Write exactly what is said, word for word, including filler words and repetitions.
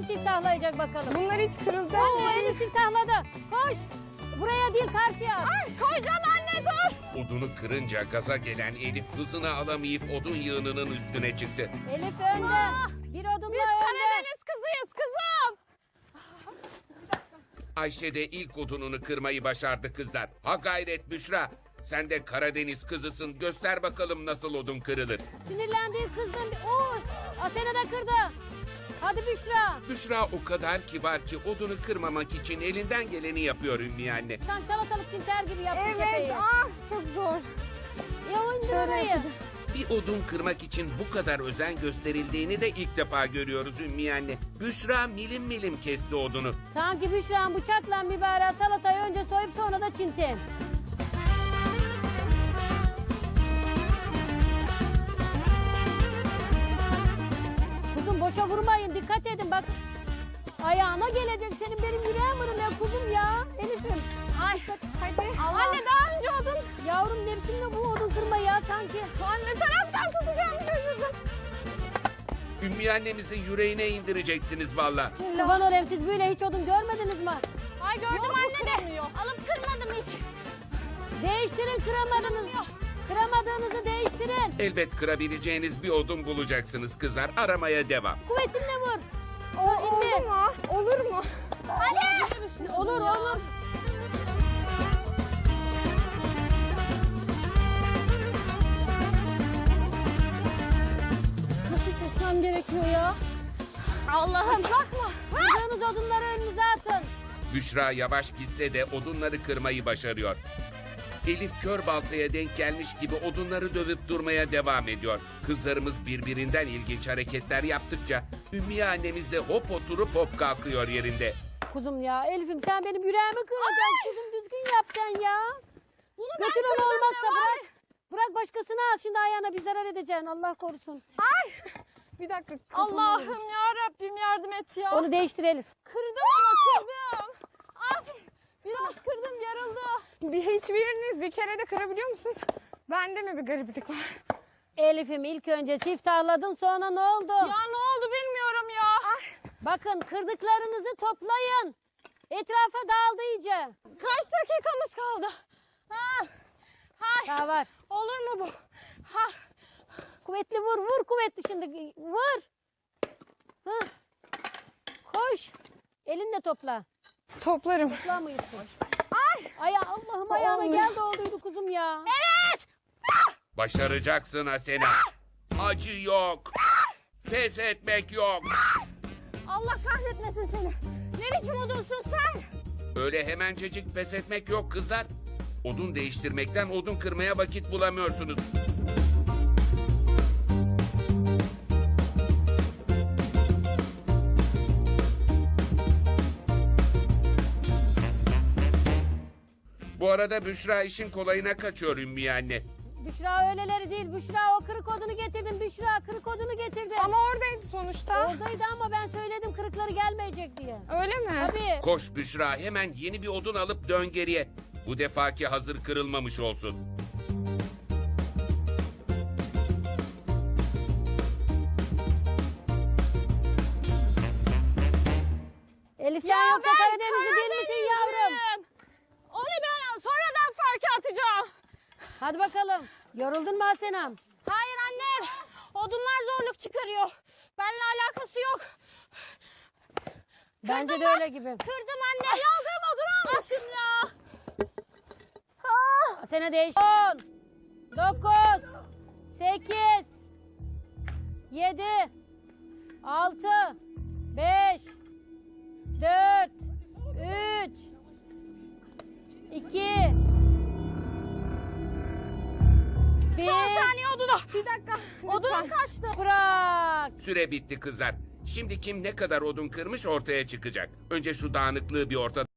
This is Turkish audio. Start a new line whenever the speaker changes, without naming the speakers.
siftahlayacak bakalım.
Bunlar hiç kırılacak
Oo,
değil.
Elif siftahladı. Koş. Buraya değil karşıya.
Ay, koyacağım anne dur.
Odunu kırınca gaza gelen Elif hızını alamayıp odun yığınının üstüne çıktı.
Elif önde. Bir odunla
Biz
önde.
Karadeniz kızıyız kızım.
Ayşe de ilk odununu kırmayı başardı kızlar. Ha gayret Büşra. Sen de Karadeniz kızısın. Göster bakalım nasıl odun kırılır.
Sinirlendiği kızdım. Oo, Asena da kırdı. Hadi Büşra.
Büşra o kadar kibar ki odunu kırmamak için elinden geleni yapıyor Ümmü anne.
Sen salatalık çimter gibi yaptın
Evet
tepeyi.
ah çok zor.
Ya oyuncu
Şöyle
orayı.
yapacağım.
Bir odun kırmak için bu kadar özen gösterildiğini de ilk defa görüyoruz Ümmü anne. Büşra milim milim kesti odunu.
Sanki Büşra'nın bıçakla mübarek salatayı önce soyup sonra da çinten. Kuzum boşa vurmayın, dikkat edin bak. Ayağına gelecek senin, benim yüreğim vuruluyor kuzum ya. Elif'im.
Ay hadi. Anne daha önce odun.
Yavrum ne biçim de bu odun kırma ya sanki.
Anne taraftan tutacağımı şaşırdım.
Ümmü annemizin yüreğine indireceksiniz valla.
Kurban olayım, siz böyle hiç odun görmediniz mi?
Ay gördüm
Yok,
anne de. Alıp kırmadım hiç.
Değiştirin, kıramadınız. Kıramadığınızı değiştirin.
Elbet kırabileceğiniz bir odun bulacaksınız kızlar. Aramaya devam.
Kuvvetinle vur.
O, olur mu? Olur mu? Hadi.
Olur olur.
Nasıl seçmem gerekiyor ya? Allah'ım bakma.
Kırdığınız odunları önünüze atın.
Büşra yavaş gitse de odunları kırmayı başarıyor. Elif kör baltaya denk gelmiş gibi odunları dövüp durmaya devam ediyor. Kızlarımız birbirinden ilginç hareketler yaptıkça Ümmüye annemiz de hop oturup hop kalkıyor yerinde.
Kuzum ya Elif'im, sen benim yüreğimi kıracaksın. Kuzum düzgün yap sen ya.
Bunu ben
Götür onu,
kırdım
olmazsa
ne var?
bırak. Bırak başkasını al, şimdi ayağına bir zarar edeceksin, Allah korusun.
Ay. Bir dakika. Allah'ım ya Rabbim yardım et ya.
Onu değiştir Elif.
Kırdım ama kırdım. Ay. Biraz kırdım yarıldı. Bir, hiçbiriniz bir kere de kırabiliyor musunuz? Bende mi bir gariplik var?
Elif'im ilk önce siftahladın, sonra ne oldu?
Ya ne oldu bilmiyorum ya. Ay.
Bakın kırdıklarınızı toplayın. Etrafa dağıldı iyice.
Kaç dakikamız kaldı? Ha. Hay.
Daha var.
Olur mu bu? Ha.
Kuvvetli vur, vur kuvvetli şimdi. Vur. Hı. Koş. Elinle topla.
Toplarım.
Toplamıyorsun. Ay. Ay Allah'ım, ayağına
Olmuyor.
geldi olduydu kuzum ya.
Evet.
Başaracaksın Asena. Acı yok. Pes etmek yok.
Allah kahretmesin seni. Ne biçim odunsun sen?
Öyle hemencecik pes etmek yok kızlar. Odun değiştirmekten odun kırmaya vakit bulamıyorsunuz. Bu arada Büşra işin kolayına kaçıyor Ümmüye anne.
Büşra öyleleri değil. Büşra o kırık odunu getirdim. Büşra kırık odunu getirdim.
Ama oradaydı sonuçta.
Oradaydı ama ben söyledim kırıkları gelmeyecek diye.
Öyle mi?
Tabii.
Koş Büşra, hemen yeni bir odun alıp dön geriye. Bu defaki hazır kırılmamış olsun.
Elif sen yoksa Karadenizli değil misin yavrum?
Karadenizliyim. Onu ben sonradan fark atacağım.
Hadi bakalım. Yoruldun mu Asenam?
Hayır annem. Odunlar zorluk çıkarıyor. Benimle alakası yok.
Bence
Kırdım
de
bak.
öyle gibi.
Kırdım anne. Yaldırım odun almışım ya. Ah.
Asena değiş. on, dokuz, sekiz, yedi, altı, beş, dört, üç, iki, bir.
Son saniye odunu. Bir dakika. Odunum kaçtı.
Bırak.
Süre bitti kızlar. Şimdi kim ne kadar odun kırmış ortaya çıkacak. Önce şu dağınıklığı bir ortadan